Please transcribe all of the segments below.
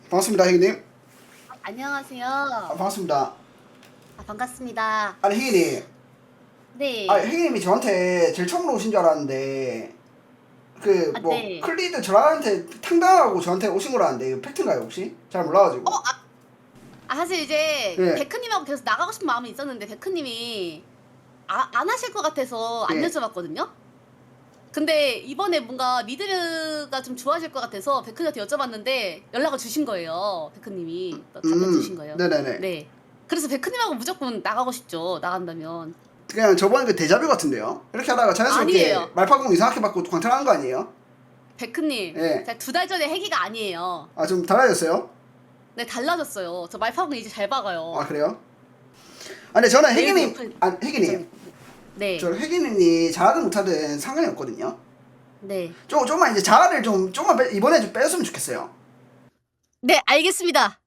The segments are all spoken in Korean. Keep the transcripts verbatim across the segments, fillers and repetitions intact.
반갑습니다, 혜기님. 안녕하세요. 아, 반갑습니다. 아, 반갑습니다. 아니, 혜기님. 네. 아, 혜기님이 저한테 제일 처음으로 오신 줄 알았는데, 그, 아, 뭐, 네. 클리드 저한테 탕당하고 저한테 오신 거라는데, 이거 팩트인가요, 혹시? 잘 몰라가지고. 어, 아, 아 사실 이제 네. 데크님하고 계속 나가고 싶은 마음이 있었는데 데크님이 아, 안 하실 것 같아서 안 네. 여쭤봤거든요. 근데 이번에 뭔가 미드가 좀 좋아질 것 같아서 데크님한테 여쭤봤는데 연락을 주신 거예요. 데크님이 또 답변 음, 주신 거예요. 네네네. 네. 그래서 데크님하고 무조건 나가고 싶죠. 나간다면. 그냥 저번에 그 데자뷰 같은데요? 이렇게 하다가 자연스럽게 아니에요. 말파공 이상하게 받고 광탈하는 거 아니에요? 데크님, 네. 제가 두 달 전에 해기가 아니에요. 아, 좀 달라졌어요? 네, 달라졌어요. 저 말파공 이제 잘 박아요. 아, 그래요? 아, 근데 저는 내일 혜기님, 오픈- 아, 혜기님. 네. 저 혜기님이 잘하든 못하든 상관이 없거든요. 네. 좀, 좀만 이제 자아를 좀, 좀만 빼, 이번에 좀 빼줬으면 좋겠어요. 네, 알겠습니다.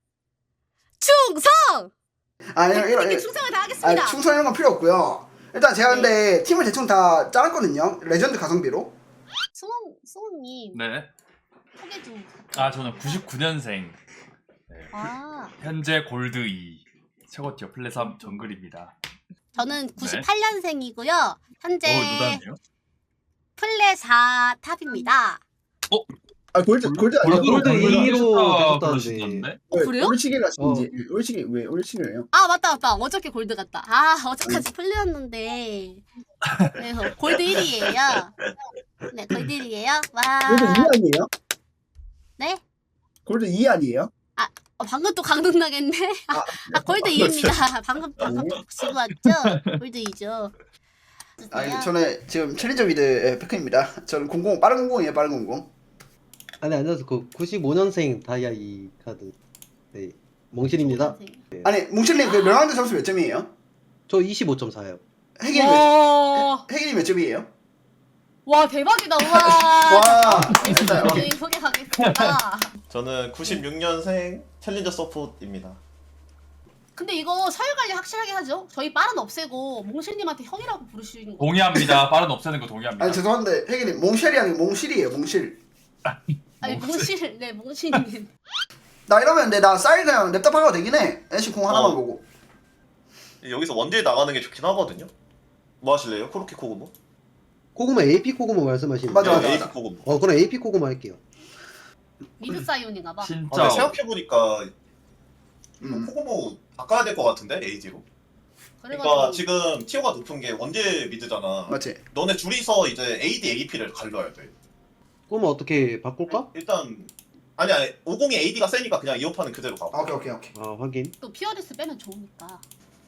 충성! 아, 이런, 이런, 네, 이런. 충성을 다하겠습니다. 아, 충성 이런 건 필요 없고요. 일단 제가 근데 팀을 대충 다 짜놨거든요. 레전드 가성비로. 수홍, 수홍님 네. 소개 좀. 아 저는 구십구 년생. 네. 아, 현재 골드 이. 최고 티어 플레 삼 정글입니다. 저는 구십팔 년생이고요. 현재 어 누나네요? 플레 사 탑입니다. 아, 골드, 골드 아니야? 골드 이로 되셨다는데. 부르시던데? 어, 그래요? 올치기라신지. 올치기, 왜 올치기래요? 아, 맞다, 맞다. 어저께 골드 갔다. 아, 어제까지 플레였는데. 그래서 골드 일 위에요. 네, 골드 일 위에요. 와. 아니에요? 네? 골드 이 아니에요? 어, 방금 또 강등나겠네. 아, 아 골드 이입니다. 방금 방금 지고 왔죠? 골드 이죠. 아, 저는 지금 챌린저 미드 페크입니다. 저는 공공, 빠른 공공이에요, 빠른 공공. 아니 안녕하세요. 그 구십오 년생 다이아 이 카드. 네. 몽실입니다. 아니, 뭉칠님 그 멸망대 점수 몇 점이에요? 저 이십오 점 사요. 혜기님 몇, 와, 혜기님 몇 점이에요? 와 대박이다. 와. 와, 네, 소개하겠습니다. 저는 구십육 년생 챌린저 서폿입니다. 근데 이거 서열 관리 확실하게 하죠. 저희 빠른 없애고 몽실님한테 형이라고 부르시는 거. 동의합니다. 빠른 없애는 거 동의합니다. 아니, 죄송한데, 혜기님, 몽쉘이 아니고 몽실이에요, 몽실. 아니 몽실, 네 몽실님. 나 이러면 근데 나 쌀 그냥 냅다 박아도 되긴 해. 애쉬 공 하나만 어. 보고. 여기서 원딜 나가는 게 좋긴 하거든요. 뭐 하실래요? 코르키 코그모? 코그마 에이피 코그마 말씀하시는 맞아, 거예요? 맞아. 에이피 코그모. 어 그럼 에이피 코그마 할게요. 미드 사이온인가 봐. 아, 진짜 근데 생각해보니까 음. 코그모 바꿔야 될 것 같은데 에이지로. 그러니까 지금 티어가 높은 게 원딜 미드잖아. 맞지? 너네 둘이서 이제 에이디 에이피를 갈려야 돼. 그럼 어떻게 바꿀까? 일단 아니 아니 오십이 에이디가 세니까 그냥 이어파는 그대로 가고. 아, 오케이, 오케이, 오케이. 아 확인. 또 피어리스 빼면 좋으니까.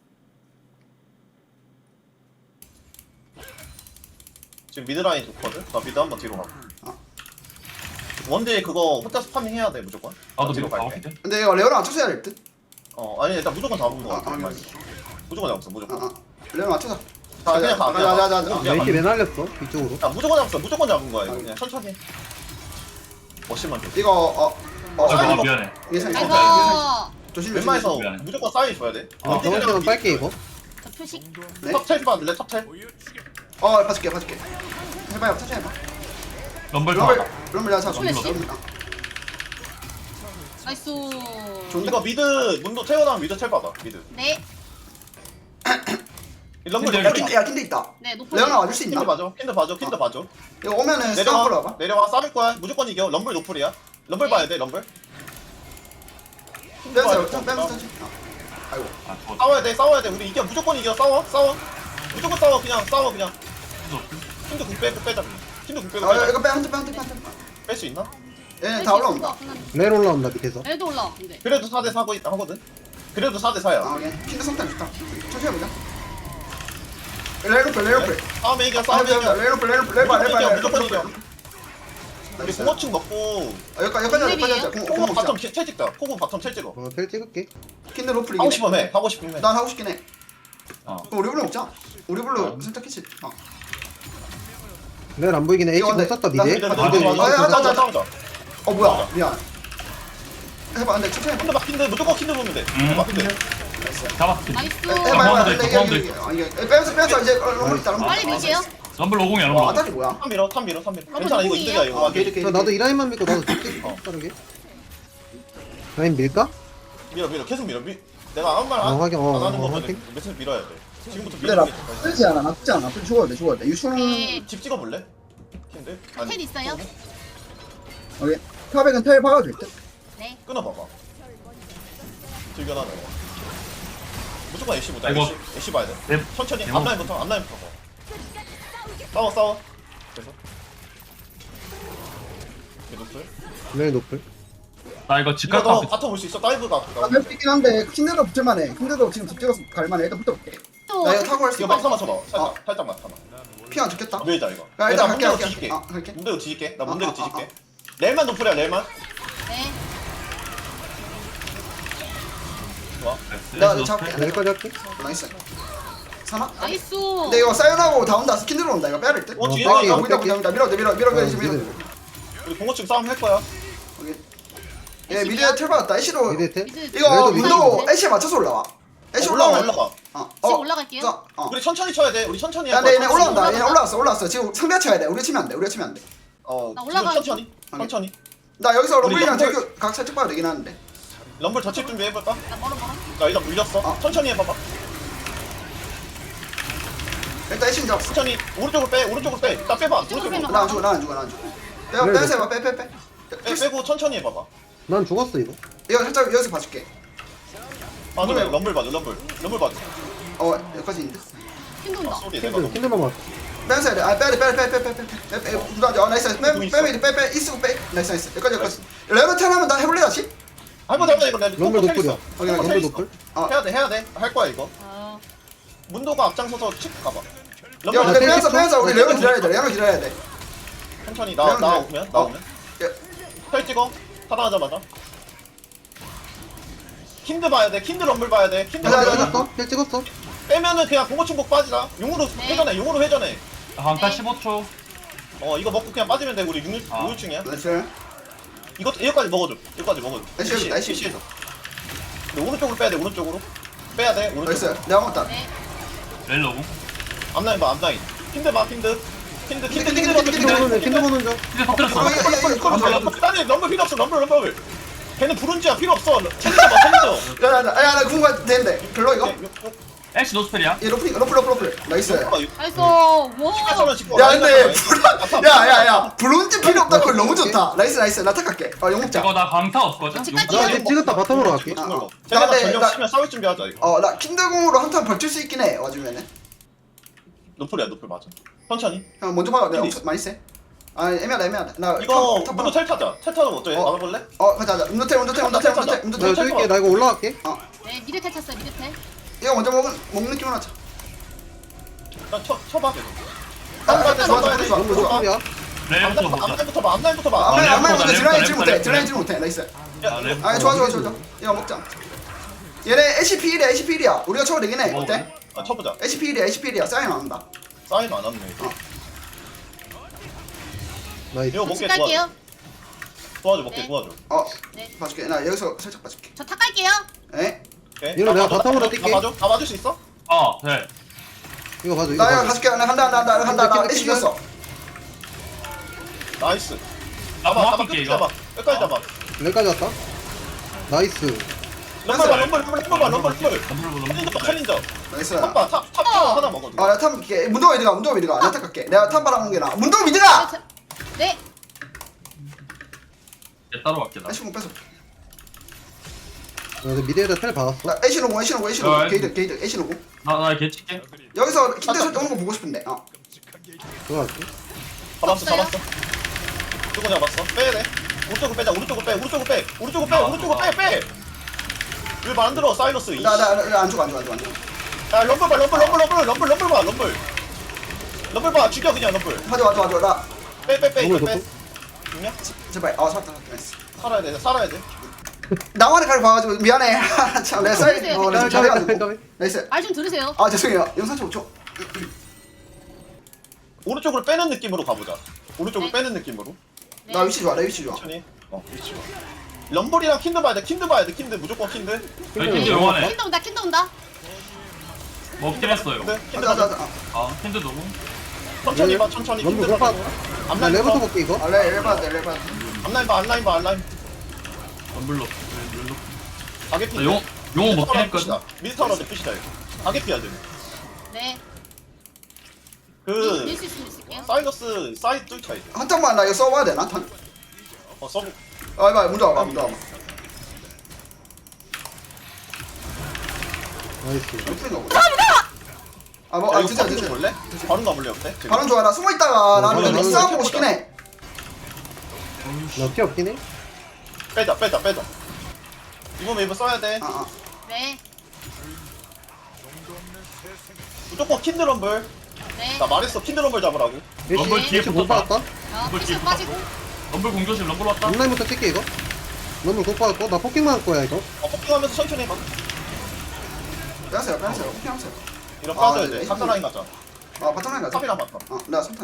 지금 미드 라인 좋거든. 나 미드 한번 뒤로 가. 아. 원딜 그거 혼자 스파밍 해야 돼 무조건. 나도 뒤로 미국 갈게. 가봤거든. 근데 이거 레오나 맞춰서 해야 될 듯? 어 아니 일단 무조건 잡은 거 아, 같아. 아, 무조건 잡았어 아, 무조건. 아. 레오나 맞춰서. 자 그냥 가 그냥 자, 가. 자, 자, 자. 그냥 가. 메시 왜 날렸어? 이쪽으로. 야 무조건 잡았어 무조건 잡은 거야 이거 그냥 천천히 해. 멋심만 줘. 이거, 어, 어, 아 쌀, 미안해. 이게 살, 아이고. 이게 살. 조심, 조심. 웬만해서 미안해. 무조건 사인 줘야 돼. 아 저번처럼 빨게 이거. 저 표식. 네? 탑텔 봐줄래 탑텔? 어, 봐줄게, 봐줄게. 해봐요, 천천히 해봐. 럼블 럼블, 다. 럼블 내가 잡아. 플래시? 럼블. 아, 나이스. 좋은데? 이거 미드 문도 태어나면 미드 텔 받아 미드. 네. 이 럼블 근데 럼블 킨드, 야, 킨드 있다. 네 높은. 레오나 와줄 수 킨드 있나? 봐줘 킨드 봐줘 킨드 봐줘. 이거 오면은 스타일로 내려와 와봐. 내려와 싸울 거야 무조건 이겨 럼블 노플이야. 럼블 네. 봐야 돼 럼블. 빼면서, 좀 빼면서. 아, 아이고. 아 죽었다. 싸워야 돼 싸워야 돼 우리 이겨 무조건 이겨 싸워 싸워 무조건 싸워 그냥 싸워 그냥. 킨드 궁빼 빼자 킨드 궁 빼고 아, 빼자. 이거 빼, 한대 빼, 한대 빼, 한대 뺄 수 있나? 빼. 얘네 다 올라온다. 레일 올라온다 밑에서. 애도 올라. 근데. 그래도 사 대 사고 있다 하거든. 그래도 사 대 아, 사야. 오케이. 킨드 성탄 좋다. 천천히 해보자. 레이로플, 레이로플. 싸움에 이겨 아, 싸움에 이겨. 레이로플, 레이로플, 레이바, 무조건 레이바, 이겨 무조건 이겨. 레이로플. 우리 공어층 먹고 아, 여기까지, 여기까지 하자, 여기까지 하자. 공, 공 코고 먹자. 바텀 첼 찍자. 코고 바텀 첼 찍어. 어텔 찍을게. 킨드 로플 하고 이기네. 싶으면 해. 하고 싶으면 해. 난 하고 싶긴 해. 어. 그럼 우리 불러 먹자. 우리 불러 어. 살짝 캐치. 어. 레일 안 보이긴 해. 에이치 이거 못 썼다 나- 미드. 나- 맞아, 아, 맞아, 아, 맞아. 아, 싸우자, 아, 싸우자. 어, 뭐야. 미안. 해봐. 근데 천천히 해봐. 킨드 막 킨드 무조건 킨드 보면 돼. 음. 막 킨드. 잡았어. 나이스. 해봐, 해봐. 가운데 근데 있어, 이게, 가운데 이게, 아, 이게. 빼면서, 빼면서 이제 어, 럼블 있다, 럼블. 빨리 밀게요. 럼블 오공이야 와, 럼블. 아다리 뭐야? 탑 밀어, 탑 밀어, 탑 밀어. 아, 괜찮아, 이거 누구예요? 이득이야, 이거. 아, 완전. 게이드, 자 게이드. 나도 이 라인만 믿고 나도 찍게. 어. 빠르게. 라인 밀까? 밀어 밀어 계속 밀어 밀 내가 아무 말 어, 안 확인, 어, 안 하는 어, 거면 확인. 메시지 밀어야 돼 지금부터 근데 나 밀는 게 좋다. 쓰지 않아 나쁘지 않아 나쁘지 죽어야 돼 죽어야 돼 유충 네. 집 찍어볼래? 킨데? 아니, 텔 있어요? 오케이 탑백은 텔 박아도 될듯 네. 끊어봐봐 즐겨놔 너 무조건 애쉬 보자 아이고. 애쉬 애쉬 봐야 돼 네. 천천히 대박. 앞라인부터 앞라인부터 봐 싸워 싸워 그래서 노플 라인 노플. 나 이거 집 이거 갔다 너 올게. 바텀 올 수 있어 다이브가 아프다 할수 있긴 한데 킹드도 붙을만해 킹드도 지금 집 찍어서 갈만해 일단 붙어볼게 또 나 이거 타고 할 수 이거 있어 막타 맞춰봐 살짝 어. 살짝 막타봐 피안 죽겠다 밀자 이거 야, 일단 나 갈게, 문대로 갈게. 뒤질게 어, 갈게. 문대로 뒤질게 나 어, 문대로 어, 뒤질게 어, 렐만 노플이야 렐만 네. 좋아 나 나이스. 잡게 여기까지 할게. 나이스 사나? 나이스. 근데 이거 사연하고 다운다 스킨으로 온다 이거 빼야 될듯 어, 뒤에 아 이거 보인다 뺄게. 보인다 밀어 밀어 밀어 밀어 어, 밀어 밀어 미드. 우리 공호층 싸움 할 거야 오케이 얘 미드에 텔 받았다 애쉬로 미드 텔. 미드 이거 미드 문도 미드. 애쉬에 맞춰서 올라와 애쉬 어, 올라가 올라와 올라가 어, 지금 어, 올라갈게요. 자, 어. 우리 천천히 쳐야 돼 우리 천천히 야, 할 근데 거야 얘네 올라온다. 올라가. 얘네 올라왔어, 올라왔어. 지금 상대 쳐야 돼. 우리가 치면 안 돼. 우리가 치면 안 돼. 어 나 지금 올라가는 천천히 천천히 나 여기서 우리 럼블이랑 럼블- 제규 각 살짝 봐도 되긴 하는데. 럼블 덧칠 준비 해볼까? 나 멀어 멀어. 나 일단 물렸어 어. 천천히 해봐봐 일단 애쉬 잡았어. 천천히 오른쪽으로 빼 오른쪽으로 빼 일단 빼봐 이쪽으로 오른쪽으로 빼면 나 안 죽어, 나 안 죽어, 나 안 죽어. 빼, 그래, 빼서 해봐, 빼, 빼, 빼. 빼, 빼고 천천히 해봐봐 난 죽었어 이거. 이거 살짝 여기서 봐줄게. 아 그래 럼블 봐줘 럼블 럼블 봐줘 어, 여기까지 있는데. 힘든다. 소리 내가 킨드 럼블 킨드만 맞. 빼서 해야 돼. 아, 빼야 돼, 빼, 빼, 빼, 빼, 빼, 빼, 빼, 빼. 부담 어, 나이스, 빼, 좀 있어. 빼, 빼, 빼, 빼, 이스고 빼. 나이스, 나이스. 여기까지, 여기까지. 레벨 텐 하면 나 해볼래 다시? 해보자 해보자 이거 내가 럼블 텔 노플이야. 있어. 오케이, 텔 럼블 있어. 노플. 어. 해야 돼 해야 돼할 거야 이거 아, 문도가 앞장서서 칙 가봐 야, 럼블 근데 텔 빼면서, 있어? 빼면서 우리 어, 레벨 텔 기다려야 돼. 레벨 기다려야 돼. 천천히 나 레벨 나오면 기다려. 나오면 어. 야, 텔 찍어 하나하자마자 킨드 봐야 돼 킨드 럼블 봐야 돼 킨드 가자, 럼블 가자. 찍었어? 텔 찍었어? 빼면은 그냥 공고충복 빠지자 용으로 네. 회전해 용으로 회전해 강타 네. 십오 초. 어 이거 먹고 그냥 빠지면 돼 우리 아. 육 층이야 나이스. 이거 이거까지 먹어줘 이거까지 먹어줘 애쉬, 애쉬, 애쉬. 애쉬. 근데 오른쪽으로 빼야 돼 오른쪽으로 빼야 돼 나이스. 오른쪽으로 내가 먹었다. 네. 렐로고. 앞라인 봐 앞라인 킨드 봐 킨드 킨드 킨드 킨드, 킨드 킨드, 럼블 킨드, 킨드 보는 중. 킨드 킨드 보는 중. 이제 터뜨렸어. 어, 예, 예, 예. 럼블 럼블 나는 럼블 필요 없어 럼블 럼블 걔는 브론즈야 필요 없어 챌린저 봐 챌린저 야, 야, 야, 야, 나 궁금한 되는데. 별로 이거? 애쉬 노스펠이야. 얘 로플, 로플, 로플, 로플. 나이스. 나이스. 와. 야 근데 브론 야야야 브론즈 필요 없다 그걸 너무 좋다 나이스 나이스 나 탁할게 어 용목자 이거 나 강타 없거든. 집 용타. 갈게요. 나 이제 찍었다 바텀으로 갈게. 아, 어. 쟤네가 나 근데 전력 나- 치면 싸울 준비하자 이거 어나 킨드공으로 한탄 버틸 수 있긴 해 와주면은 노플이야 노플 맞아 천천히 형 먼저 봐봐 내가 킨드 엄청 많이 세아 애매하다 애매하다 나 이거 탑, 탑, 문도 텔 타자 텔 타는 거 어때? 어. 나눠볼래? 어 가자 가자 운도텔 운도텔 운도텔 운도텔 나 운도텔 찍을게. 나 이거 올라갈게. 네, 미드 텔 탔어요. 미드 텔. 이거 먼저 먹은 먹는 느낌으로 하자 일단 쳐, 쳐봐 계속 아, 아, 좋아 좋아 좋아 럼블 좋아 노플이야. 렐부터 보자. 앞라인부터 봐 앞라인부터 봐 앞라인 아, 앞라인 랩보다, 근데 드라인 질 랩보다, 못해 랩보다. 드라인 질 못해 나이스 아, 렐. 아 좋아 좋아 좋아 좋아 이거 먹자 얘네 에이치피 일이야 에이치피 일이야 우리가 쳐도 되긴 해 어, 어때? 아 쳐보자 에이치피 일이야 에이치피 일이야 사인 안 한다 사인 안 왔네 나이스. 이거 집 먹게 갈게요. 도와줘 도와줘 먹게 네. 도와줘 어 네. 봐줄게 나 여기서 살짝 봐줄게 저 탁 갈게요. 에? 오케이 이거 내가 다 바텀으로 봐줘, 뛸게. 다 봐줘? 다 봐줄 수 있어? 어, 네. 이거 봐줘. 이거 나 이거 봐줘. 가줄게 나 간다 간다 나 간다 나 킨드, 에이치 킨드. 겼어 나이스 나 잡아 잡아 정확할게 끝까지 이거. 잡아 끝까지 잡아 여기까지 왔다. 나이스. 럼블 봐 럼블 럼블 럼블 봐 럼블 럼블 럼블 챌린저 럼블. 챌린저 나이스 탑봐 탑탑 하나 먹어 아나 탐 미드가 문도가 미드가 문도가 미드가 나 탁할게 내가 탐 바라는 게 나아 문도가 미드가! 자, 네. 얘 따로 갈게 나. 에이치 공 뺏어 나 이제 미드에다 텔 박았어. 나 에이치 노공 에이치 노공 에이치 어, 노공 에이치. 게이드 게이드 에이치 노공 나나 개찍게. 여기서 킨드 설때 오는 거 보고 싶은데 어 들어갈게. 잡았어 없어요? 잡았어 누구 잡았어 빼야 돼 오른쪽으로 빼자 오른쪽으로 빼 오른쪽으로 빼 오른쪽으로 빼 오른쪽으로 빼빼 왜 말 안 들어 사이러스 이 나 나 나 안 죽어 안 죽어 안 죽어 안 죽어 야 럼블 봐 럼블 럼블 럼블 럼블 럼블 봐 럼블 럼블 봐 죽여 그냥 럼블 맞아 맞아 맞아 나 빼빼빼 이거 럼블 빼 놓고. 죽냐? 제발 아 살았다 살았다 나이스 살아야 돼 살아야 돼 나만의 칼 봐가지고 미안해 참 내가 사이 그러세요, 어 그러세요. 내가 잘해가지고 까비. 나이스 말 좀 들으세요. 아 죄송해요 영상 좀 줘. 오른쪽으로 빼는 느낌으로 가보자 오른쪽으로 네. 빼는 느낌으로 네. 나 위치 좋아 나 위치 좋아 천천히 어 위치 좋아 럼블이랑 킨드 봐야 돼 킨드 봐야 돼 킨드 무조건 킨드 여기 킨드 영화네. 킨드 온다. 킨드 온다. 먹긴 했어요. 킨드 킨드 가자 가자 봐줘 가자 아, 킨드 너무. 천천히 봐 천천히 럼블 킨드 못 봐 봐. 나 앞라인 레버터 봐 볼게 이거. 아 레 레바드 레바드 앞라인 봐 앞라인 봐 앞라인 럼블로 가게 피. 나 용, 용어 먹긴 했거든. 미스터라도 푸시다 이거. 가게 피야 돼. 네. 그 밀수 있으면 쓸게요. 사이러스 사이드 뚫 차이. 한 장만 나 이거 써봐야 되나? 탄? 어 서브. 아 이봐 먼저 와봐 먼저 와봐 나이스. 풀인가 보다 아뭐 아 아 이거 진짜 바로 진짜 볼래? 바로 가볼래 어때? 바로 좋아 나 숨어있다가 어, 나는 바로 여기 가볼래. 싸움보고 싶긴 해 나 피 없긴 해. 빼자 빼자 빼자. 이번 웨이브 써야 돼. 아, 아. 네. 무조건 킨드럼블. 네. 나 말했어 킨드럼블 잡으라고. 럼블 애쉬 뒤에 애쉬 못 붙었다. 받았다. 아, 럼블 피셔 뒤에 빠지고. 럼블 공조심 럼블 왔다. 온라인부터 칠게 이거. 너무 못 받았고 나 포킹만 할 거야 이거. 어 폭킹하면서 천천히 해봐. 빼세요 빼세요 오케이 하세요 이런 아, 빠져야 네. 돼. 삼 라인 가자. 아 바텀라인 가자 탑이랑 맞다. 어 내가 삼탄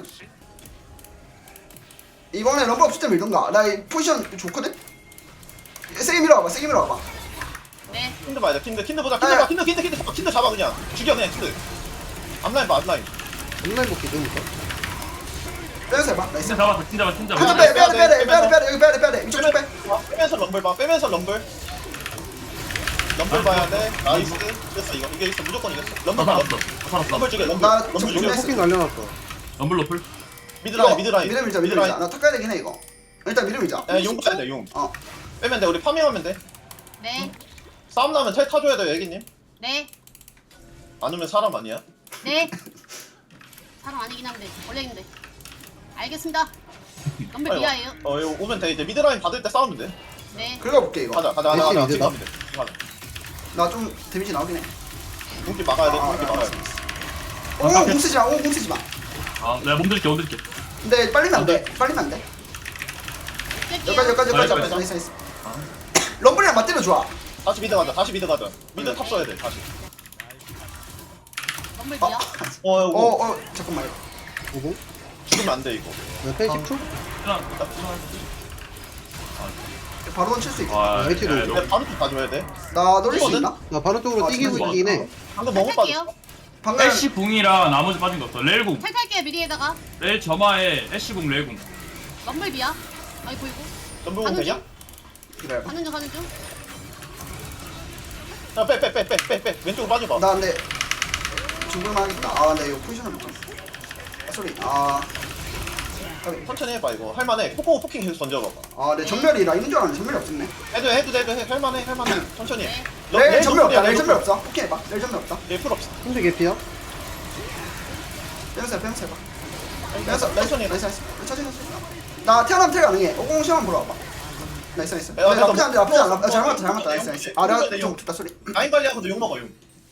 이번에 럼블 없을 때 밀던가 나 이 포지션 좋거든? 세게 밀어와봐 세게 밀어와봐 네. 킨드 봐야 돼. 킨드 킨드 보자. 킨드 아, 봐. 킨드 킨드 킨드 잡아. 킨드 잡아 그냥. 죽여 그냥 킨드. 앞라인 봐 앞라인. 온라인 복귀 좀부터. 빼세요 봐 나이스 팀 잡았어 팀 잡았어 팀 한점 잡았어. 빼 빼야 돼 빼야 돼 빼야 돼 빼야 돼 여기 빼야 돼 빼야 돼 이쪽 좀 빼. 봐. 빼면서 럼블 봐. 빼면서 럼블. 럼블 봐야 돼. 나이스. 됐어 이거. 이게 있어. 무조건 이겼어. 다 럼블 봐. 살았어 다 살았어. 럼블 죽여. 럼블. 나 럼블 지금 죽여. 됐어. 포킹 날려놨어. 럼블 로플. 미드라인 미드라인. 미드 밀자 미드 밀자 나 탁 가야 되긴 해 이거 일단 미드 밀자 야용 가야 돼 용. 어 빼면 돼. 우리 파밍하면 돼. 네. 싸움 나면 텔 타줘야 돼 애기님. 네. 안 오면 사람 아니야? 네. 사람 아니긴 한데 원래인데. 알겠습니다. 럼블 빨리 와. 미아예요. 어 이거 오면 돼. 이제 미드라인 받을 때 싸우면 돼. 네. 긁어볼게 이거 가자 가자 가자 가자. 열심히 지금 이제다. 가면 돼. 지금 가자. 나 좀 데미지 나오긴 해 공기 막아야 돼. 아, 공기 아, 막아야 알았어, 돼. 오, 공 쓰지 마, 오, 공 쓰지 마. 아 내가 몸들게 몸들게. 근데 빨리면 안 돼, 빨리면 안 돼. 뺄게요. 여기까지, 여기까지, 여기까지, 아, 여기까지, 나이스, 나이스. 럼블이랑 맞대면 좋아. 다시 미드 가자. 다시 미드 가자. 미드 탑 써야 돼. 다시. 럼블 어, 미아. 어 어, 이거 어, 잠깐만. 오고. 죽으면 안 돼 이거. 나펜 십 초. 하나. 바로 칠 수 있어. 아 아, 에이치도 야, 오죠. 너- 근데 바로 좀 가줘야 돼. 나 노릴 수 이거는? 있나? 나 바로 쪽으로 아, 뛰기고 진짜 있긴 해. 방금 먹어 탈탈게요. 빠졌어. 방금 애쉬 궁이랑 나머지 빠진 거 없어. 렐궁. 탈탈게요 미리에다가. 렐 점화에 애쉬 궁 렐궁. 럼블 미아. 아이 보이고. 전부 가는 되냐? 중. 기다려봐. 가는 중 가는 중. 빼빼 빼 빼 빼 빼 왼쪽으로 빠져봐. 나 근데 죽을만 하겠다. 아, 근데 이거 포지션을 못 봤어. 아, 소리. 아, 까비. 천천히 해봐 이거. 할만해. 포코 포킹 계속 던져봐봐. 아, 내 전멸이라 있는 줄 알았는데 전멸이 없었네. 해도 해, 해도 돼, 해도 해. 할만해 할만해. 천천히 해. 네. 내 전멸 없다. 내 레일 전멸 노플이야, 없어. 오케이 해봐. 내 전멸 없다. 레일 풀 없어. 힘들 개피야. 빼면서 빼면서 해봐. 빼면서 나이스, 천천히 해. 나이스, 나이스. 천천히 나이스. 나 태어나면 태가 가능해. 오공 시험 보러 와봐. 나이스, 나이스. 야, 네, 나쁘지 않은데, 나쁘지 않아. 뭐, 잘 뭐, 맞다, 잘 맞다. 뭐, 나이스, 뭐, 나이스. 뭐, 아, 내가 뭐, 좀 뭐, 좋다 소리. 라인 관리하고도 욕 먹어 용.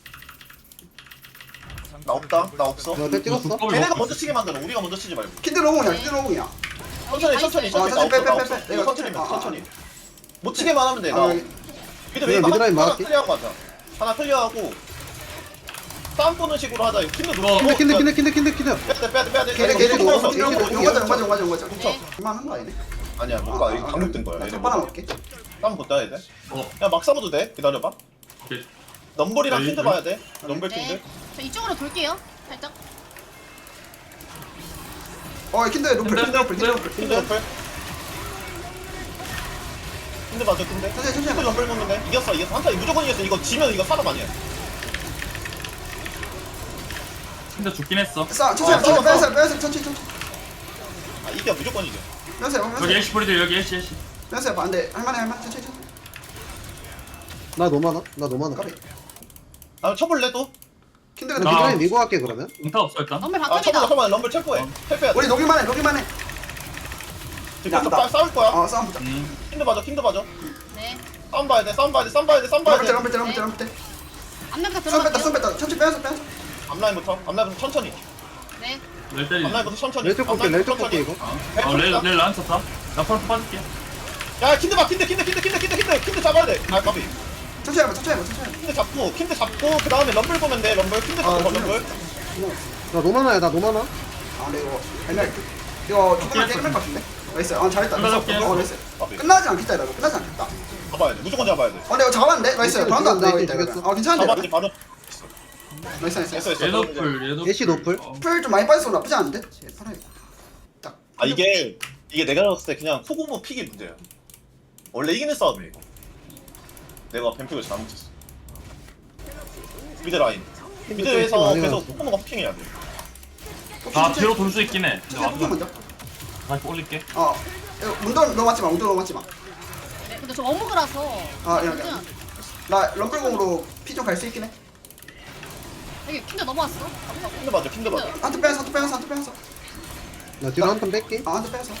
나 없다. 나 없어. 나펜 찍었어. 걔네가 먼저 치게 만들어. 우리가 먼저 치지 말고. 킨드 로공이야, 킨드 로공이야. 천천히 천천히 아, 천천히. 나 천천히 빼, 없어, 나 빼, 없어. 빼, 빼. 이거 천천히 내가 해, 아, 천천히. 못 치게만 하면 돼. 나. 아, 미드 그냥 웨이브 미드라인 하나 막을게. 클리어하고 하자. 하나 클리어하고 싸움 보는 식으로 하자. 이거 킨드 누가? 킨드 킨드 킨드 킨드 킨드 킨드. 빼야 돼 빼야 돼 빼야 돼. 걔네 이거 걔네 킨드 용 넣었어, 킨드 가자, 넣었어. 용 가자, 용 가자, 용 가자, 용 가자. 네. 할만한 거 아니네? 아니야 못 가. 이거 강력된 거야. 나 얘네. 첫 먹을게. 싸움 못 따야 돼. 어. 야 막 싸워도 돼. 기다려봐. 오케이. 넘볼이랑 네, 킨드 네. 봐야 돼. 넘볼 킨드. 네. 저 이쪽으로 돌게요. 살짝. 어, 킨드 로플, 킨드, 킨드 로플, 킨드 킨드. 로플. 킨드 넘볼. 킨드 맞아 킨드. 천천히, 천천히 킨드 해봐. 넘볼 먹는 데 이겼어 이겼어. 한타 무조건 이겼어. 이거 지면 이거 사람 아니야. 근데 죽긴 했어. 싸, 천천히, 어, 천천히, 싸워, 빼면서, 싸워. 빼면서, 천천히, 천천히. 아 이겨 무조건 이겨. 빼면서 해봐, 여기 빼면서. 애쉬 뿌리들 여기 애쉬 애쉬. 빼면서 해봐. 안 돼. 할만해, 할만해. 천천히, 천천히. 나 너무 많아. 나 너무 많아. 까비. 아 쳐볼래 또? 킨드가 나 아. 나 미드라인 밀고 갈게 그러면. 응타 없어 일단. 럼블 아 쳐보자 바텀이다. 쳐보자. 럼블 체포해. 어. 헬빼야 돼. 우리 녹일만 해, 녹일만 해. 지금 나, 나. 싸울 거야. 어, 싸움 보자. 음. 킨드 봐줘 킨드 봐줘. 네. 싸움 봐야 돼 싸움 봐야 돼 싸움 봐야 돼 싸움 봐야 럼블 때, 돼. 럼블 때, 럼블 때, 럼블 때. 앞면가 손 뺐다, 손 들어갈게요. 뺐다. 천천히 빼면서, 빼면서. 앞라인부터 앞라인부터 천천히. 네. 렐 때리. 앞라인부터 천천히. 렐쪽 볼게 렐쪽 앞라인부터 볼게 천천히. 이거. 어렐렐 나한테 쳤다. 나 프런트 빠질게. 야 킨드 봐 킨드 킨드 킨드 킨드 킨드 킨드 킨드 잡아야 돼. 아 까비. 천천히 해봐, 천천히 해봐, 천천히 해봐. 킨드 잡고 킨드 잡고 그 다음에 럼블 보면 돼 럼블 킨드 아, 잡고 천천히 럼블. 해봐. 나 너무 많아야 나 너무 많아. 아, 근데 이거 옛날 이거 조금만 게임할 것 같은데? 나이스. 아, 잘했다. 끝나자, 나이스. 어, 나이스. 까비. 끝나지 않겠다, 이거. 끝나지 않겠다. 잡아야 돼 무조건 잡아야 돼. 어, 근데 이거 잡았는데? 나이스. 이거 바운드 안 죽였어, 나와 이거 있다, 죽였어. 이거. 어, 괜찮은데? 잡아야지 바로. 나이스, 나이스. 됐어 됐어. 얘노플 얘노플. 애쉬 노플. 어. 풀좀 많이 빠져서 나쁘지 않은데? 팔아야겠다. 딱. 아 이게 이게 내가 봤을 때 그냥 소고모 픽이 문제야. 원래 이기는 싸움이야 이거. 내가 뱀픽을 잘못했어. 미드 라인. 템 미드에서 많이 계속 나왔어. 포커가 후킹해야 돼. 나 뒤로 돌 수 있긴 해. 근데 진짜 포켓 와도 먼저. 다시 올릴게. 어. 이거 문도 넘어맞지 마. 문도 넘어맞지 마. 네, 근데 저 어묵이라서. 아, 야, 야. 나 럼블공으로 피 좀 갈 수 있긴 해. 여기 킨드 넘어왔어. 킨드 맞아, 킨드 맞아. 한트 빼서 한트 빼서 한트 빼서. 나 뒤로 한 턴 뺄게. 아, 한트 빼서.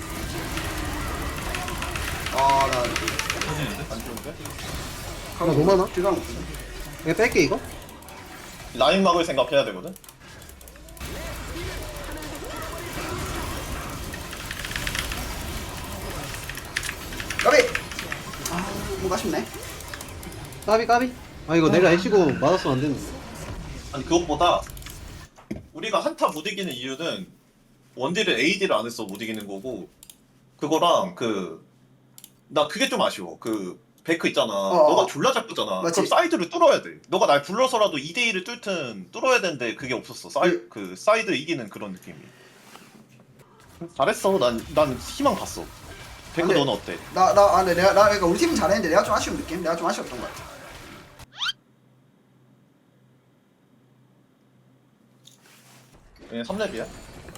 아, 나 터지는데? 안 좋은데? 가고 너무 많아? 뒤가 없네. 이거 뺄게 이거. 라인 막을 생각해야 되거든. 까비. 아, 뭔가 아쉽네. 까비 까비. 아 이거 내가 애쉬고 맞았으면 안 되는데. 아니 그것보다 우리가 한타 못 이기는 이유는 원딜을 에이디를 안 했어 못 이기는 거고 그거랑 그 나 그게 좀 아쉬워. 그 베크 있잖아. 어. 너가 졸라 잡잖아. 맞지. 그럼 사이드를 뚫어야 돼. 너가 날 불러서라도 이 대 일을 뚫든 뚫어야 되는데 그게 없었어. 사이 그- 그 사이드 이기는 그런 느낌이. 잘했어. 난 난 희망 봤어. 베크 근데- 너는 어때? 나, 나, 아, 네, 내가, 나, 그러니까 우리 팀은 잘했는데 내가 좀 아쉬운 느낌? 내가 좀 아쉬웠던 것 같아. 얘 삼 렙이야?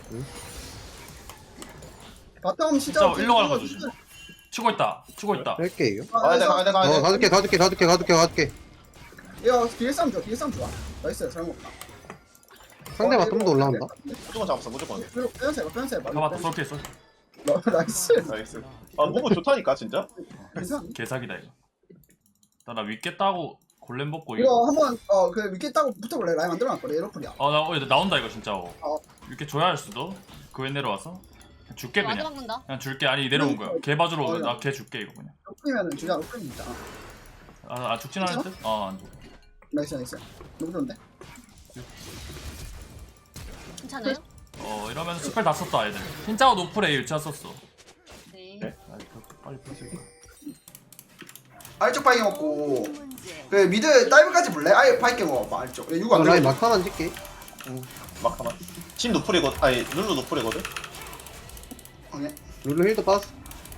바텀 진짜 일로 가는 거 조심. 치고 있다. 치고 있다. 뺄게 이거. 가야 돼 가야 돼 가야 어 돼. 가줄게 가줄게 가줄게 가줄게 가줄게. 이거 뒤에 싸움 좋아, 뒤에 싸움 좋아. 나이스, 잘 먹었다. 상대 바텀도 올라온다. 무조건 잡았어 무조건. 빼면서 해봐, 빼면서 해봐. 잡았다. 쏠게 쏠. 너, 나이스. 나이스. 아 너무 좋다니까 진짜. 괜찮아. 개사기다 이거. 나 윗게 따고 골렘 먹고 이거 이거. 한번, 어, 그, 밑에 따고 붙어볼래? 라인 만들어놨거든, 에러풀이야. 어나 어, 나온다 이거 진짜. 어. 어. 이렇게 줘야 할 수도. 그 왜 내려와서? 그냥 줄게 와드 그냥. 막는다. 그냥 줄게. 아니 내려온 거야. 개 봐주러 오면 어, 나개 줄게 이거 그냥. 에러풀이면은 주자, 에러풀이 있잖아. 아, 아 죽진 않을 듯? 어안 죽. 나이스, 나이스. 너무 좋은데? 괜찮아요? 어 이러면서 스펠 다 썼다 애들. 흰자와 노플에 일자 썼어. 네. 네? 아, 이거 빨리 풀지. 아래쪽 바이게 먹고, 그, 미드 다이브까지 볼래? 아예 바이게 먹어봐, 아래쪽. 이거 어, 안 라인 들어. 막타만 찍게. 막하만. 신 노플이거든. 아니 룰루 노플이거든. 오케이. 룰루 힐도 빠졌어.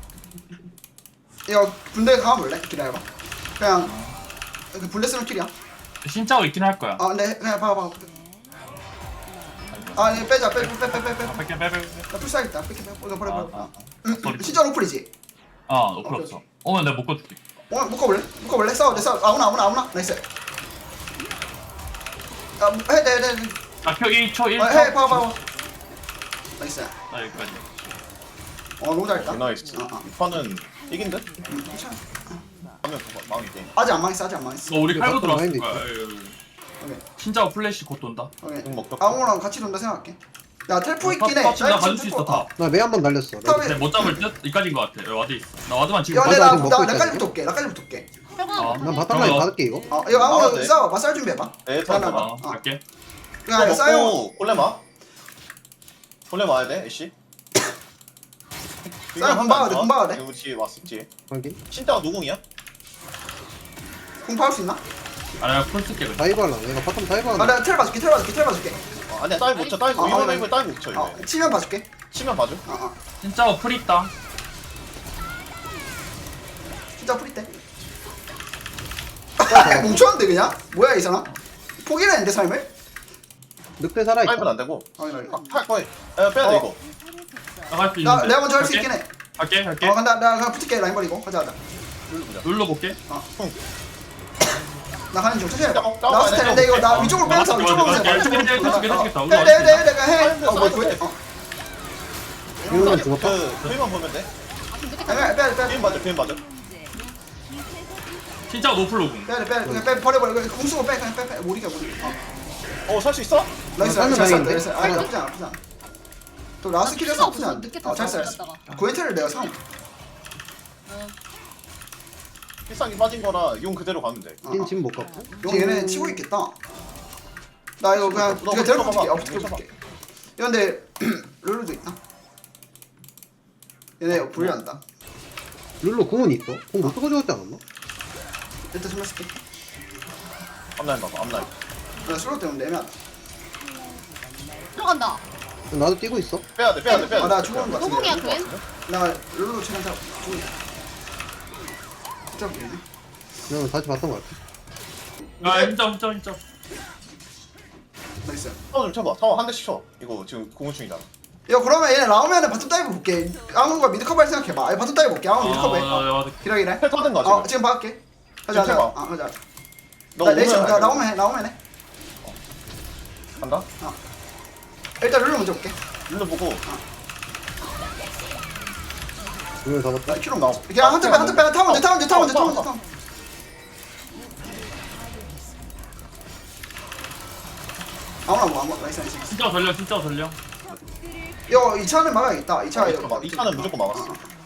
이거 군대 가볼래? 기다려봐. 그냥, 그 블레 쓰는 킬이야. 흰자가 있긴 할 거야. 아, 근데, 그냥 봐봐, 봐봐. 아, 이거 빼자, 빼, 빼, 빼, 빼, 빼, 빼. 아, 뺄게 빼빼. 나 풀싸야겠다. 뺄게, 빼. 버려, 버려, 아, 버려. 아, 응, 소리. 진짜 노플이지? 아 노플 없어. 오면 내가 묶어줄게. 어, 묶어볼래? 묶어볼래? 싸워, 내 싸워. 아무나, 아무나, 아무나. 나이스. 아, 해, 네, 네, 네. 아켜 일 초 일 어, 초. 해, 봐봐, 봐봐. 나이스. 나 여기까지. 어, 너무 잘했다. 나이스. 어, 어. 이 판은 이긴 듯? 음, 괜찮아. 하면 망이 게임. 아직 안 망했어, 아직 안 망했어. 너 우리 이거 칼고 바텀 들어왔을 라인도 거야. 오케이, 흰자와 플래시 곧 돈다. 오케이. 응 먹자. 아무랑 같이 논다 생각할게. 야, 텔포 있긴 해. 탑, 탑, 나 나 가질 수 있어 다. 나 매 한 번 날렸어. 나 탑에- 근데 못 잡을 듯? 이까지인 것 같아. 여기 와드 있어. 나 와드만 지금 야, 근데 맞아, 나, 지금 먹고 나, 있다, 나까지 지금. 붙을게. 나까지 붙을게. 어. 난 바텀 라인 어. 받을게 이거. 어, 이거 나와도 아무 돼. 싸워. 마살 준비해봐. 에 나, 나, 잠깐만. 어, 어. 갈게. 그냥 이거 싸워. 먹고 골렘 와. 골렘 와야 돼 애쉬. 싸워, 금방 와야 돼, 금방 와야 돼. 여기 뒤에 왔었지. 확인. 신짜가 누궁이야? 공 파울 수 있나? 아, 내가 풀 쓸게 그냥. 다이브 할라. 내가 바텀 다이브 아, 하나. 내가 텔 봐줄게, 텔 봐줄게, 텔 봐줄게. 어, 아니야 다이브 못 쳐. 다이브 아, 이번 아, 다이브 다이브 못 쳐. 어, 이거. 치면 봐줄게. 치면 봐줘. 어, 어. 흰자와 풀 있다. 진짜 프리 때. 뭉쳤는데 그냥? 뭐야 이 사람? 포기를 했는데 삶을? 늑대 살아있다. 다이브는 안 되고. 확인하게. 아, 탈 거야. 야, 빼야 돼 어. 이거. 나갈 수 나 있는데. 내가 먼저 할 수 갈게. 있긴 해. 갈게 갈게. 어, 간다. 나 그냥 붙을게. 라인 버리고. 가자, 가자. 눌러볼게. 나 가는 중. 천천히 해봐. 어, 어, 나 스텔. 근데 이거 나 어, 위쪽으로 어, 빼면서 맞아, 위쪽으로 맞아, 빼면서. 맞아. 위쪽으로 계속, 계속, 계속, 계속. 해, 해, 해, 내가 해. 어, 뭐 사이드, 구해. 어. 이거는 죽었다. 그 표현만 보면 돼. 빼야 돼, 빼야 돼, 빼야 돼. 표현 맞아. 표현 맞아. 흰자와 노플 녹음. 빼야 돼, 빼야 돼. 그냥 빼, 버려, 버려. 그냥 궁수고 빼, 그냥 빼, 빼. 못 이겨, 못 이겨. 어. 어 살 수 있어? 나이스, 어, 나이스, 잘 다행인데? 쐈다, 나이스. 아, 나쁘지 않아, 나쁘지 않아. 또 라스트 킬에서 나쁘지 않아. 늦게 어, 잘 쐈어, 잘 탔다가. 쐈어. 고엔테를 내가 상. 필살기 빠진 거라 용 그대로 가면 돼. 어, 진 어. 지금 못 갔고. 용 얘네 치고 있겠다. 나 이거 그냥 너 이거 먼저 데리고 봐봐. 붙을게. 어, 붙을게, 먼저 붙을게. 이거 근데 룰루도 있다. 얘네 불리한다. 룰루 궁은 있어. 궁못 쓰고 죽었지 않았나? 일단 정말 쓸게. 앞라인 봐봐. 앞라인. 나 슬로우 때문에 애매하다. 들어간다. 나도 뛰고 있어. 빼야 돼. 빼야 돼. 빼야 돼. 아, 나 죽은 거 같은데. 노공이야 그웬? 나 룰루 최근 다 죽은 거. 진짜 불리네. 그러면 다시 봤던 거 같아. 아 인정 인정 인정. 나이스. 타워 좀 쳐봐. 타워 한 대씩 쳐. 이거 지금 공중이잖아. 야 그러면 얘네 나오면은 바텀 다이브 볼게. 아무가 미드 커버 할 생각해봐. 아니 바텀 다이브 볼게. 아무 미드 커버 해. 아, 기라 기라. 헬 타든가 지금. 어 지금 봐볼게. 가자 지금 가자. 해봐. 아 가자. 너 나 레이션 오면 나 알고. 나오면 해 나오면 해. 간다. 일단 룰루 먼저 볼게. 룰루 보고. 이걸 잡았다. 나 큐로 나오. 그냥 한대 빼 한대 빼. 타면 돼 타면 돼 타면 돼 타면 돼 타면. 아무나 뭐 아무 나이스 나이스. 진짜 전령 진짜 전령. 이거 이 차는 막아야겠다. 이 차 이거. 막- 이 차는 무조건 막았어.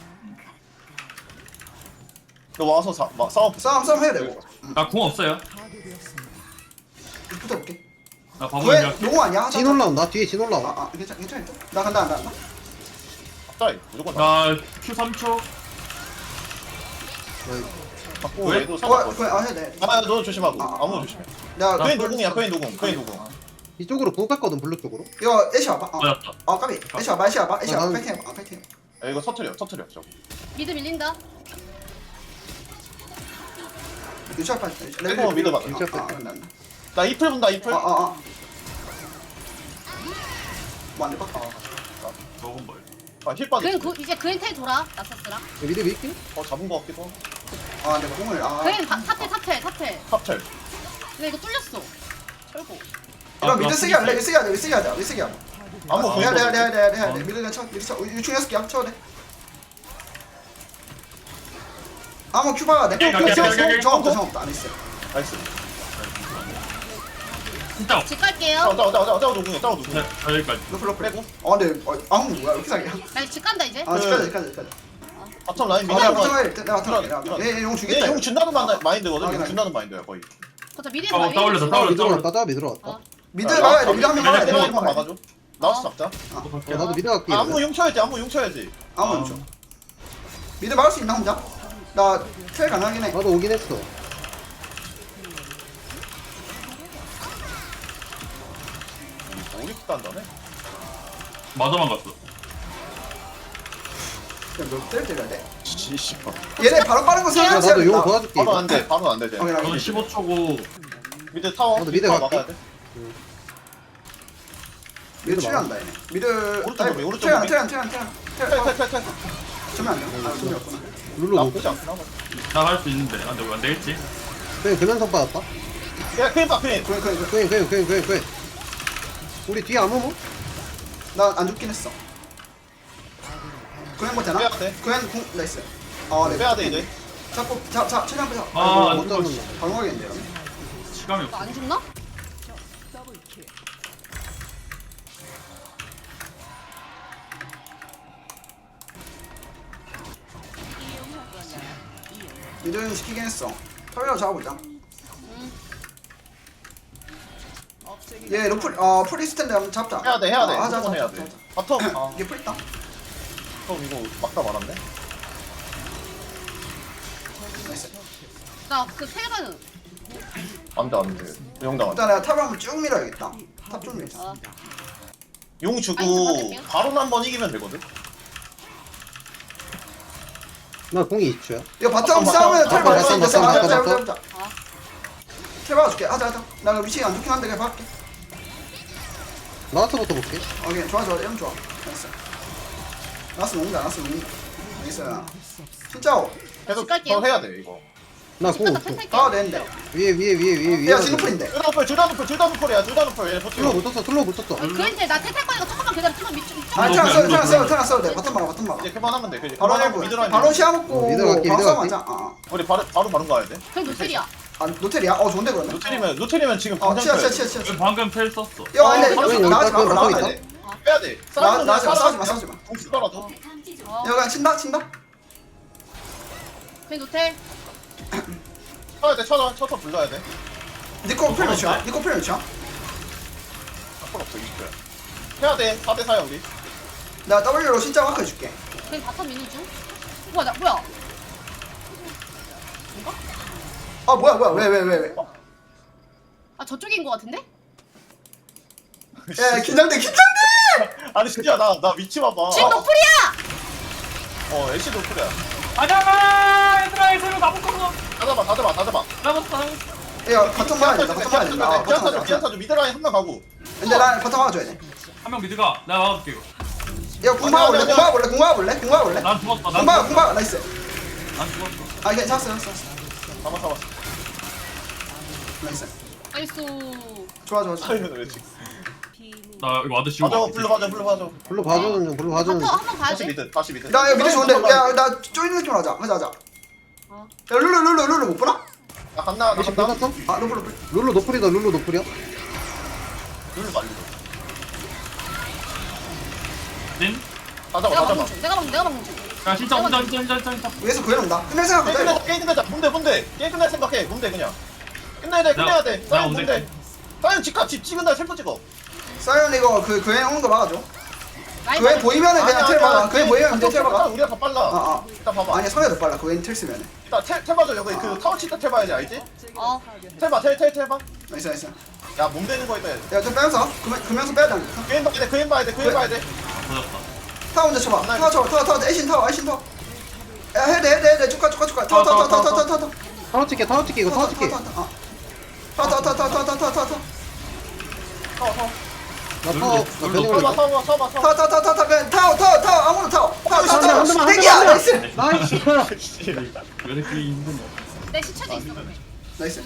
너 와서 사, 막 싸워. 싸움 싸움 해야 되고. 나 궁 없어요. 붙어볼게. 나 바보 왜 인정. 용어 아니야? 진 올라온다. 뒤에 진 올라와. 아아 괜찮 괜찮아. 나 간다 간다 간다. 갑자기 무조건 나. 나 Q 삼 초. 받고 왜? 얘도 어 상관없어. 그래 아 해야 돼. 아, 너 조심하고. 아, 아, 아무 아. 조심해. 나 나- 그인 노궁이야, 그인 노궁, 그인 노궁. 이쪽으로 궁 깠거든 블루 쪽으로. 이거 애쉬 와봐. 어. 맞았다. 아 까비. 애쉬 와봐 애쉬 와봐 애쉬 와봐. 아, 난- 파이팅 해봐. 아 파이팅. 야, 이거 터트려, 터트려, 저거. 미드 밀린다. 유치할 파. 레고 미드 봐. 유치할 파. 아, 나- 나 이플 본다, 이플. 아, 아, 아. 뭐, 안 돼, 봐. 먹은 뭘. 아, 힐 빠졌어. 그린 그, 이제 그린 텔 돌아. 나서스랑. 미드 밀게. 어, 잡은 거 같기도 하고. 아, 내가 공을, 아. 그린 바- 탑텔 탑텔 탑텔. 탑텔. 근데 이거 뚫렸어. 철고. 이거 미드 쓰기 할래? 미드 쓰기 하자, 미드 쓰기 하자, 미드 쓰기 하자. 아무 아, 공이 해야 돼, 해야 돼, 해야 돼, 해야 돼, 해야 돼. 어. 미드 그냥 쳐, 미드 쳐. 유충 여섯 개야, 쳐도 돼. 아무 큐바가 내. 오케이, 오케이, 오케이, 오케이. 정 없다, 정 없다, 안 했어. 나이스. 진짜. 집 짜오, 갈게요. 짜오, 짜오, 짜오, 짜오 누궁이야, 짜오 누궁이야. 네, 저 여기까지. 러플, 러플. 빼고. 아, 근데, 어, 아무 뭐야, 왜 이렇게 사기야? 나 집 간다 이제. 아, 여기까지, 여기까지, 여기까지. 바텀 라인 아, 미드 내가 한번. 부탁해, 내가 부탁해. 들어가, 내가. 들어가. 얘, 얘용 주겠다. 얘용 준다는 마- 마인드거든. 아, 용 그래. 준다는 마인드야, 거의. 저 미드 어, 떠올렸어, 아, 떠올렸어. 미드 올라왔다. 나 미드 올라왔다. 어. 미드 막아야 돼, 미드 한명 막아야 돼. 내가 미드 한번 막아야 돼. 막아줘. 나와서 잡자. 어, 나도 미드 갈게. 아, 아무 용 쳐야지, 아무 용 쳐야지. 아무 용 줘. 미드 막을 수 있나, 혼자? 나텔 가능하긴 해. 나도 오긴 했어. 오릭스 단다네. 마저만 갔어. 그냥 몇대 때려야 돼. 씨발. 얘네 바로 빠른 거 야, 생각해야 나도 용 된다. 도와줄게. 바로 이거. 안 돼, 바로 안 돼. 쟤. 오케이, 나 저는 이거. 십오 초고. 미드 타워, 나도 미드 미드 타워 갈게. 막아야 돼. 미드 출연한다 얘네. 미드 오른쪽 아니, 무빙, 오른쪽 퇴한 무빙. 퇴한 퇴한 퇴한 탈, 퇴한 탈, 탈, 탈. 주면 안 돼. 아 주면 없구나. 룰루 놓고. 나쁘지 않긴 하고. 나 할 수 있는데. 안 돼, 안 되겠지. 그냥 그면서 받았다. 야, 크림 봐, 크림. 그래 그래 그래. 그냥 그냥 그냥 그냥 그냥. 우리 뒤에 아무 뭐? 나안 죽긴 했어. 그냥 뭐 되나? 빼야 돼. 그냥 공 나이스. 아 네. 빼야 돼, 이제. 잡고 자자 최대한 빼자. 아, 아이고, 못 이거 잡는다. 바로 가겠는데 이러면. 시간이 이거 없어. 안 죽나? 미드는 시키긴 했어. 털이라도 잡아보자. 얘 로플 어 프리스탠드 한번 잡자. 해야 돼, 해야 돼. 아, 하자 하자 무조건 해야 하자, 돼. 하자. 바텀. 아, 이게 풀 있다. 그럼 이거 막다 말았네. 나이스. 나그 텔가는. 안 돼, 안 돼. 영당 안 돼. 일단 내가 탑을 한번 쭉 밀어야겠다. 탑 쭉 밀자. 어. 용 아니, 주고 받을게요. 바로 한 번 이기면 되거든. 나 공이 이십 초야. 이거 바텀 바텀, 싸우면 바텀, 텔 바텀, 받을 수 있는데 바텀, 싸움 바텀, 해보자 바텀. 해보자 해보자. 아. 텔 봐줄게. 하자 하자. 나 위치 안 좋긴 한데 그냥 봐볼게. 나와서부터 볼게. 오케이 좋아 좋아 이러면 좋아. 나이스. 나스 녹는다 나스 녹는다. 나이스. 진짜 계속 집 갈게요. 더 해야 돼, 이거. 나 집 공 갔다 없어. 텔 탈게. 다 되는데. 위에 위에 위에 위에 위에. 야 진노플인데. 둘다 노플, 둘다 노플, 둘다 노플이야, 둘다 노플. 얘 슬로우 버티고. 붙었어. 슬로우 붙었어. 그린 텔 나텔 탈 거니까 조금만 기다려. 조금만 밑 좀. 아 너 테나 그냥 써도 테나 너 써도 그냥. 테나 써도 돼. 바텀 막아 바텀 막아. 이제 그만하면 돼. 그지? 바로 그만하고 해보. 미드라인. 바로 시야 먹고 미드 갈게, 바로 미드 싸움 갈게. 하자. 아. 우리 바로 바로 바로 가야 돼. 그린 노텔이야. 아 노텔이야? 어 좋은데 그러면. 노텔이면 노텔이면 지금 어 당장 치아 치아 쳐야 치아 돼. 치아. 치아. 방금 텔 썼어. 야 근데 바로 여기 나가지 마 여기 나가지 있다. 마. 돼. 빼야 돼. 나- 나가지 마, 싸우지 마, 싸우지 마. 공 쓰더라도. 어. 야 그냥 친다 친다. 그린 노텔. 쳐야 돼, 쳐서 쳐서 불러야 돼. 니코 필 몇이야? 니코 필 몇이야? 앞으로 없어, 이거야. 해야 돼. 사 대 사야 우리. 나 W로 진짜 마크 해줄게. 그린 바텀 미는 중. 뭐야 나 뭐야? 아 뭐야 뭐야 왜 왜 왜 왜? 아 저쪽인 거 같은데? 야 긴장돼 긴장돼. 아니 진짜 나 나 위치 봐봐. 진 노플이야. 어, 애쉬 노플이야. 가자마! 얘들아, 얘들아, 나못 걸어. 다 잡아, 다 잡아, 다 잡아. 잡았어 잡았어. 야 바텀 가야 된다 바텀 가야 된다 아, 바텀 피안타줘 가자 피안타줘 미드라인 한 명 가고. 근데 나 바텀 가줘야 돼 한 명 미드가 내가 막아볼게 이거. 야 궁마 볼래 궁마 볼래 궁마 볼래 궁마 볼래 난 죽었어 난 궁마 죽었어. 궁마 나이스 난 죽었어. 아 괜찮았어 괜찮았어 잡아 잡아. 나이스 나이스. 좋아 좋아 좋아 차이는 왜 지금? 나 이거 와드 씌우고. 가져 불러 가져 불러 가져. 불러 봐주는 중 불러 봐주는 바텀 중. 한번 가야 다시 돼. 미드 다시 미드. 나 여기 미드 좋은데 야나 쪼이는 느낌으로 하자 하자 하자 어. 야 룰루 룰루 룰루 못 보나? 나 간다 나 미시 간다. 뺏었어? 아 룰루 룰루 룰루 노플이다 룰루 노플이야? 룰 말려. 진. 가자 내가 가자. 막는 중. 내가 막 내가 막는 중. 야 진짜 진짜 진짜 진짜 진짜 진짜. 위에서 구해놓는다 끝낼 생각 게임 하다 끝내자 이거 게임 끝내자. 문대 문대. 게임 끝낼 생각해. 문대 그냥. 끝내야 돼 끝내야 돼. 나 사연 문대. 문대. 사연 집값 집 찍은 날 템포 찍어. 사이언 이거 그 그애 오는 거 막아줘 라인 그애 막는 보이면은 그냥 아니야, 텔 아니야. 막아 그애 보이면 그냥 텔 막아 우리가 더 빨라. 아아 일단 봐봐. 아니야 성혜도 빨라 그애는 텔 쓰면은 일단 텔, 텔 봐줘 여기 그 타워 치트 텔 봐야지 알지? 중. 어. 텔 봐, 텔, 텔, 텔 봐. 나이스 나이스 야, 몸 되는 거 있다. 야좀 빼면서 그면, 그면서 빼야 되니까 그인 봐야 돼, 그인 봐야 돼, 그인 봐야 돼. 터졌다. 타워 먼저 쳐봐 타워 쳐봐 타워 타워 애신 타워 애신 타워 야 해야 돼 해야 돼 해야 돼 쭉가 쭉가 쭉가 타워 타워 타워 타워 타워 타워 타워 타워 찍게 타워 찍게 이거 타워 찍게. 타워 타워 타워 타워 타워 타워 타워 타워 타워 타워, 타워. 나 타워 나 룰루, 변형 타워 봐, 올릴게. 타워 봐, 타워 봐, 타워 타워 타워 타워 타워 타워 타워 타워 타워 아무나 타워 타워 타워 한 대만, 한 타워 대만, 대기야 한 대만. 나이스 나이스. 왜 이렇게 힘드냐. 내 시체도 있어. 나이스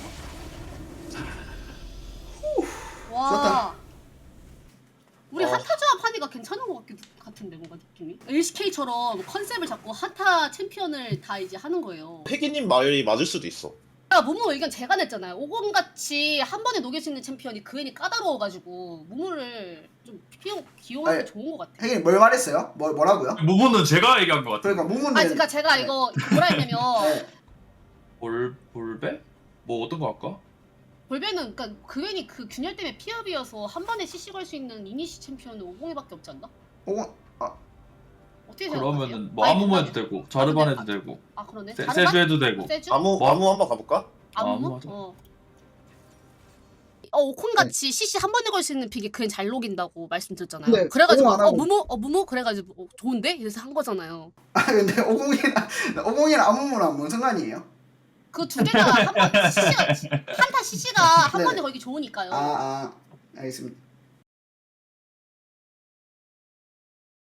와. 좋다. 우리 어. 한타 조합 하니까 괜찮은 것 같기도 같은데 뭔가 느낌이. 엘씨케이처럼 컨셉을 잡고 한타 챔피언을 다 이제 하는 거예요. 혜기님 말이 맞을 수도 있어. 아, 무무 의견 제가 냈잖아요. 오공같이 한 번에 녹일 수 있는 챔피언이 그 애니 까다로워가지고 무무를 좀 피용 기용하기 아니, 좋은 것 같아. 혜긴 뭘 말했어요? 뭘 뭐라고요? 무부는 제가 얘기한 것 같아. 그러니까 무문은 아, 그러니까 제가 이거 뭐라 했냐면 네. 볼 볼배? 뭐 어떤 거 할까? 볼베는 그러니까 그 애니 그 균열 때문에 피업이어서 한 번에 씨씨 걸 수 있는 이니시 챔피언은 오공이밖에 없지 않나? 오공 아 어떻게 생각하세요? 그러면은 뭐 아니, 아무모 아니, 해도 되고 자르반 아, 해도 되고 아 그러네. 세, 자르반? 세주 해도 되고. 세주? 아무, 뭐? 아무 한번 가볼까? 아무? 아, 맞아. 어. 어 오콘같이 씨씨 한 번에 걸 수 있는 픽이 그냥 잘 녹인다고 말씀드렸잖아요. 근데 그래가지고 오공 안 어 하고. 무무 어 무무 그래가지고 어, 좋은데 이래서 한 거잖아요. 아 근데 오공이랑 오공이랑 아무무랑 뭔 상관이에요? 그 두 개가 한번 씨씨가 한타 씨씨가 한 네네. 번에 걸기 좋으니까요. 아 아 알겠습니다